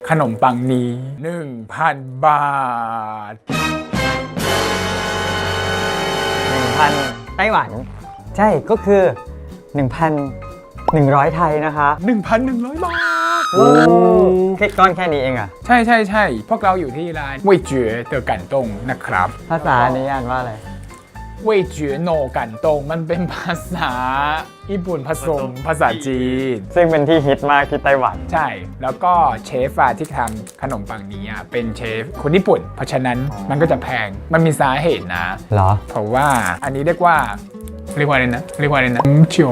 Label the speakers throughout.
Speaker 1: ขนมปังนี้ 1,000 บาท
Speaker 2: 1,000 ไต้หวัน ใช่ก็คือ 1,100 ไทยนะคะ
Speaker 1: 1,100 บาท
Speaker 2: โอ้แค่ก้อนแค่นี้เองอะ
Speaker 1: ใช่พวกเราอยู่ที่ร้านเว่ยเจ๋อเตอกันตงนะครับ
Speaker 2: ภาษานี้อ่านว่าอะไร
Speaker 1: เว่ยเจ๋อโนกันตงมันเป็นภาษาญี่ปุ่นผสมภาษาจีน
Speaker 2: ซึ่งเป็นที่ฮิตมากที่ไต้หวัน
Speaker 1: ใช่ แล้วก็เชฟที่ทำขนมปังนี้เป็นเชฟคนญี่ปุ่น เพราะฉะนั้นมันก็จะแพง มันมีสาเหตุนะ
Speaker 2: เหรอ
Speaker 1: เพราะว่าอันนี้เรียกว่าอะไรนะหงโจ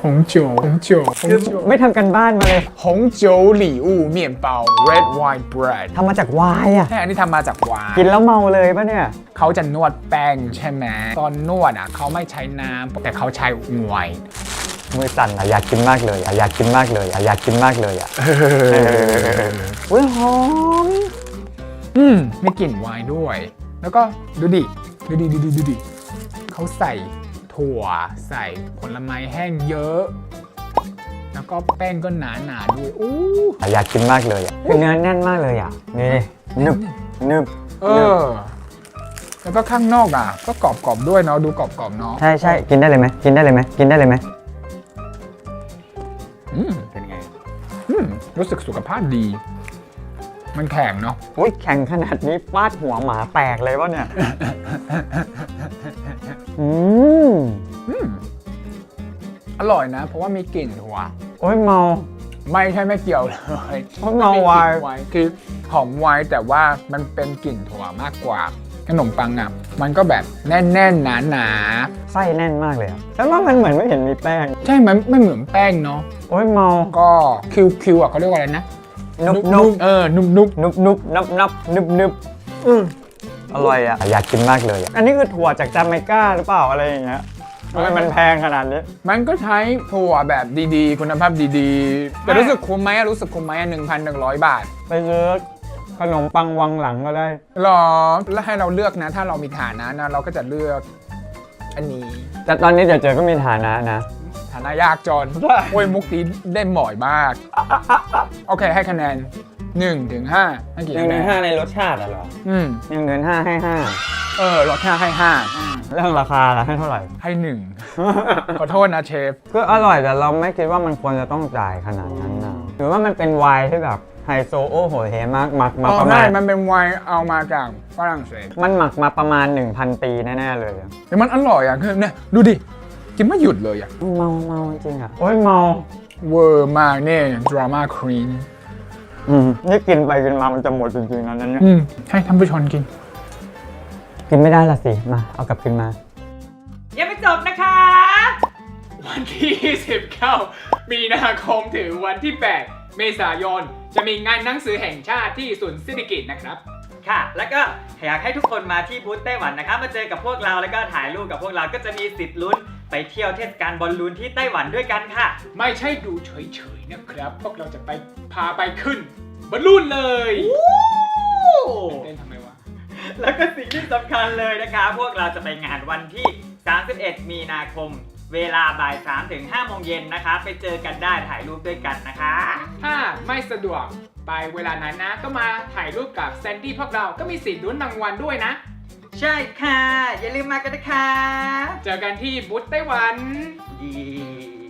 Speaker 2: ไม่ทำกันบ้านมาเลย
Speaker 1: หงโจหลี่อู่เมี่ยนเปา red wine bread
Speaker 2: ทำมาจากวายอะ
Speaker 1: ใช่อันนี้ทำมาจากวาย
Speaker 2: กินแล้วเมาเลยปะเนี่ย
Speaker 1: เขาจะนวดแป้งใช่ไหมตอนนวดเขาไม่ใช้น้ำแต่เขาใช้ไวน์
Speaker 2: มือสั่นอะอยากกินมากเลยอะอยากกินมากเลยอะอยากกินมากเลยอะอุ้ยหอม
Speaker 1: มีกลิ่นไวน์ด้วย แล้วก็ดูดิเขาใส่ถั่วใส่ผลไม้แห้งเยอะ แล้วก็แป้งก็หนาด้วยอู้
Speaker 2: อยากกินมากเลยอะคือเนื้อแน่นมากเลยอะนี่นึบ
Speaker 1: แล้วก็ข้างนอกก็กรอบด้วยเนาะดูกรอบเนาะ
Speaker 2: ใช่กินได้เลยไหมเป็นไง
Speaker 1: รู้สึกสุขภาพดี มันแข็งเนาะ
Speaker 2: อุ้ยแข็งขนาดนี้ฟาดหัวหมาแตกเลยวะเนี่ย
Speaker 1: อร่อยนะ เพราะว่ามีกลิ่นถั่ว
Speaker 2: โอ้ยเมา
Speaker 1: ไม่ใช่ไม่เกี่ยวเลย
Speaker 2: เพราะเมาไวน์
Speaker 1: คือหอมไวน์แต่ว่ามันเป็นกลิ่นถั่วมากกว่าขนมปังมันก็แบบแน่นหนา
Speaker 2: ไส้แน่นมากเลยอะแต่ว่ามันเหมือนไม่เห็นมีแป้ง
Speaker 1: ใช่มันไม่เหมือนแป้งเนาะ
Speaker 2: โอ้ยเมา
Speaker 1: ก็คิวเขาเรียกว่าอะไรนะ
Speaker 2: นุบ
Speaker 1: นุ่ม
Speaker 2: นับอร่อยอะอยากกินมากเลยอะอันนี้คือถั่วจากจาเมกาหรือเปล่าอะไรอย่างเงี้ยทำไมมันแพงขนาดนี้
Speaker 1: มันก็ใช้ถั่วแบบดีๆ คุณภาพดีๆ แต่รู้สึกคุ้มไหม1,100 บาท
Speaker 2: ไปซื้อขนมปังวังหลังก็ได้
Speaker 1: หรอ แล้วให้เราเลือกนะ ถ้าเรามีฐานะนะเราก็จะเลือกอันนี้
Speaker 2: แต่ตอนนี้เจอก็มีฐานะนะ
Speaker 1: ฐานะยากจนโอ้ยมุกนี้ได้บ่อยมาก โอเคให้คะแนน1 ถึง 5ให้กี่คะแนน
Speaker 2: ในรสชาติอะเหรอ 1 5ให้
Speaker 1: ลดแค่ให้5
Speaker 2: เรื่องราคาล่ะให้เท่าไหร่
Speaker 1: ให้1 ขอโทษนะเชฟ
Speaker 2: ก็อร่อยแต่เราไม่คิดว่ามันควรจะต้องจ่ายขนาดนั้นนะหรือว่ามันเป็นไวน์ที่แบบไฮโซโอโหเฮมากหมักมาประมาณ
Speaker 1: มันเป็นไวน์เอามาจากฝรั่งเศส
Speaker 2: มันหมักมาประมาณ 1,000 ปีแน่ๆเลยอะ
Speaker 1: แต่มันอร่อยคือเนี่ยดูดิกินไม่หยุดเลย
Speaker 2: เมาจริงอะโอ้ยเมา
Speaker 1: เวอร์มากเนี่ยดราม่าควีน
Speaker 2: นี่กินไปกินมามันจะหมดจริงๆนะนั่นเนี่ย
Speaker 1: ให้ท่านผู้ชมกิน
Speaker 2: ไม่ได้ละสิมาเอากลับคืนมา
Speaker 3: ยังไม่จบนะคะ วันที่ 19 มีนาคมถึงวันที่ 8 เมษายน จะมีงานหนังสือแห่งชาติที่ศูนย์เศรษฐกิจนะครับ ค่ะ แล้วก็อยากให้ทุกคนมาที่บูธไต้หวันนะครับ มาเจอกับพวกเราแล้วก็ถ่ายรูปกับพวกเราก็จะมีสิทธิ์ลุ้นไปเที่ยวเทศกาลบอลลูนที่ไต้หวันด้วยกันค่ะ
Speaker 1: ไม่ใช่ดูเฉยๆนะครับ พวกเราจะไปพาไปขึ้นบอลลูนเลยเต้นทำไมวะ
Speaker 3: แล้วก็สิ่งที่สำคัญเลยนะคะ พวกเราจะไปงานวันที่ 31 มีนาคม เวลาบ่าย 3 ถึง 5 โมงเย็นนะคะ ไปเจอกันได้ถ่ายรูปด้วยกันนะคะ ถ้าไม่สะดวกไปเวลานั้นนะ ก็มาถ่ายรูปกับแซนดี้พวกเราก็มีสิทธิ์ลุ้นรางวัลด้วยนะ ใช่ค่ะ อย่าลืมมากันนะคะ เจอกันที่บูธไต้หวัน